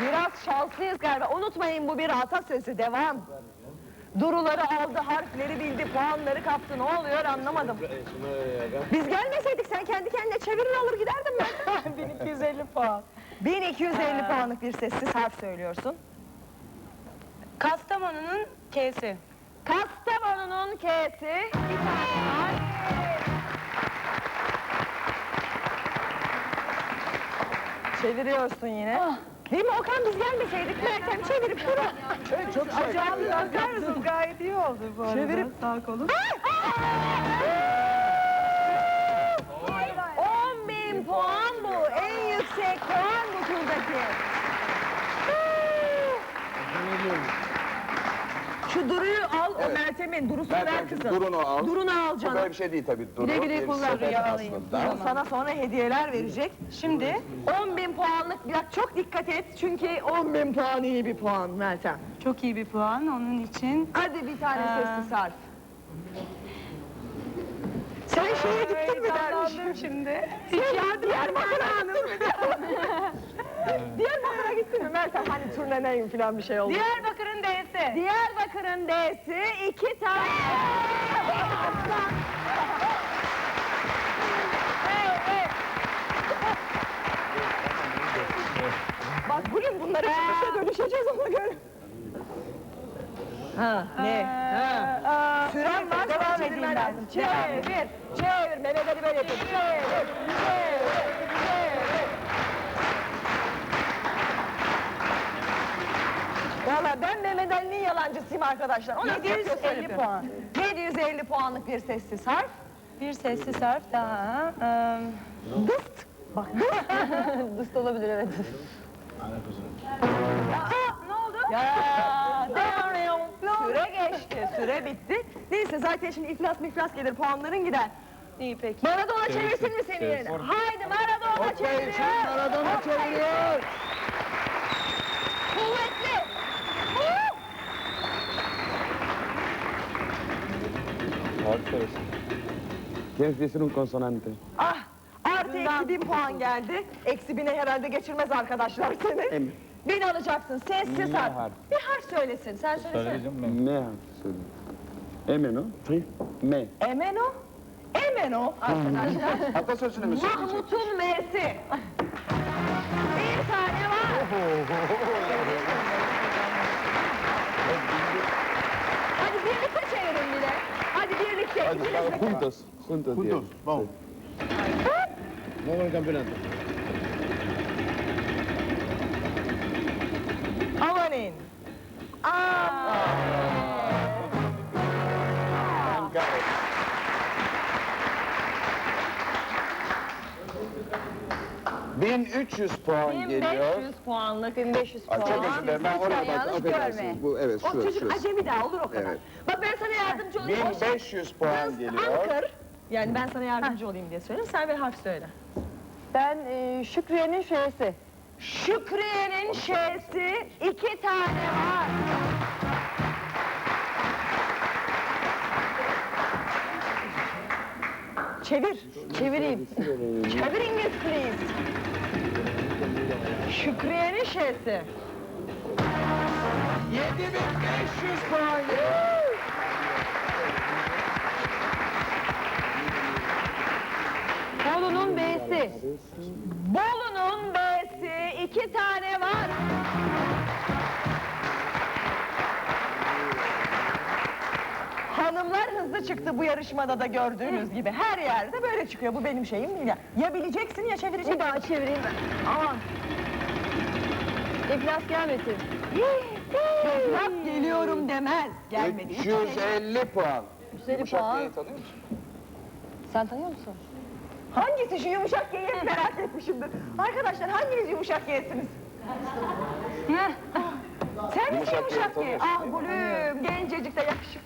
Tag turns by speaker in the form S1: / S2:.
S1: Biraz şanslıyız galiba. Unutmayın, bu bir atasözü. Devam. Duruları aldı, harfleri bildi, puanları kaptı. Ne oluyor anlamadım. Biz gelmeseydik sen kendi kendine çevirir alır giderdin ben.
S2: 1250 puan.
S1: 1250 puanlık bir sessiz harf söylüyorsun.
S2: Kastamonu'nun K'si.
S1: Kastamonu'nun K'si. Bir tane var. Çeviriyorsun yine. Değil mi Okan, biz gelmeseydik Meltem çevirip durur.
S3: Çok güzel.
S2: Acayip bakar mısın? Gayet iyi oldu bu arada.
S1: Çevirip-
S2: Sağ kolum.
S1: 10.000 puan bu. En yüksek puan bu turdaki. Şu Duru'yu al, o Meltem'in. Durusunu ver
S3: Meltemciğim,
S1: kızım.
S3: Duru'nu al.
S1: Durunu al
S3: Bu
S1: canım.
S3: böyle bir şey değil tabii. Duru,
S2: Güle güle
S3: bir
S2: kullan,
S3: sepet
S2: rüyalayın.
S3: aslında.
S1: O sana sonra hediyeler verecek.
S2: Şimdi
S1: 10.000 puanlık, biraz çok dikkat et çünkü 10.000 puan iyi bir puan Meltem.
S2: çok iyi bir puan onun için.
S1: Hadi bir tane sessiz harf. Sen şeye gittin mi dermiş?
S2: Heyecanlandım şimdi.
S1: Diyarbakır'a gittin mi? Diyarbakır'a gittin mi Meltem? Hani turneneyim falan bir şey oldu.
S2: Diyarbakır'ın D'si.
S1: Diyarbakır'ın D'si 2 tane. Bak bugün bunları çıkışa dönüşeceğiz ona göre. Ha ne? Ha. Süren var, devam edeyim ben. Çevir, çevir. Mehmet Ali böyle yapıyor. Çevir, çevir. Valla ben Mehmet Ali'nin yalancısıyım arkadaşlar. O
S2: 750 puan.
S1: 750 puanlık bir sessiz harf.
S2: Bir sessiz harf daha.
S1: Dıst. Bak dıst. Dıst olabilir evet.
S2: Ne oldu?
S1: Ya, süre geçti, süre bitti. Neyse zaten şimdi iflas gelir, puanların gider.
S2: İyi peki.
S1: Maradona çevirsin mi seni yerine? Haydi Maradona çeviriyor.
S3: Maradona çeviriyor.
S1: Kuvvetli.
S3: ¿Quieres decir un consonante?
S1: Ah, artı eksi 1000 puan geldi. Eksi 1000'e herhalde geçirmez arkadaşlar seni.
S3: Em.
S1: 1000 alacaksın, sessiz
S3: Ne
S1: harf.
S3: harf?
S1: Bir harf söylesin, sen söylesene.
S3: Me harfi söyle. M, no? Sí. Me.
S1: Emeno. Emeno arkadaşlar.
S3: Atasözünü mü söyleyecek?
S1: Mahmut'un M'si. Bir tane var. Hadi birlikte çevirin bile. Hadi birlikte.
S3: Hadi,
S1: ikiniz de.
S3: juntos. Juntos.
S4: Juntos, vamos. Vamos al campeonato.
S1: Amanin. Aa.
S3: 1300 puan geliyor.
S1: 1500 puanlık, 1500 puan.
S3: Ay, çok özür dilerim. Ben oraya bak.
S1: Yanlış görme.
S3: Affedersiniz. Bu evet
S1: O
S3: şurası.
S1: çocuk acemi daha olur o kadar.
S3: Evet.
S1: Bak ben sana yardımcı olayım. O şey-
S3: 1500 puan
S1: Kız
S3: geliyor.
S1: Ankara. Yani ben sana yardımcı olayım diye söylüyorum. Sen bir harf söyle.
S2: Ben Şükriye'nin Ş'si.
S1: Şükriye'nin Ş'si 2 tane var. Çevir. Çevireyim. Çevir İngiliz please. Şükriye'nin Ş'si.
S3: 7500 puan geliyor.
S1: Bolu'nun B'si. Bolu'nun B'si 2 tane var. Hanımlar hızlı çıktı bu yarışmada da gördüğünüz gibi. Her yerde böyle çıkıyor. Bu benim şeyim değil ya. Ya bileceksin ya çevireceksin.
S2: Bir daha çevireyim ben.
S1: Aman.
S2: İflas gelmesin.
S1: Laf geliyorum demez. Gelmedi.
S3: 350 puan.
S2: 350
S3: Yumuşak
S2: puan.
S3: Y'yi tanıyor musun?
S2: Sen tanıyor musun?
S1: Hangisi şu yumuşak Y'yi hep merak etmişimdir. Arkadaşlar hanginiz yumuşak Y'siniz? Sen misin
S3: Yumuşak Y'yi
S1: yumuşak Y?
S3: tanıyorsun,
S1: Ah gülüm, gencecik de yakışıklı.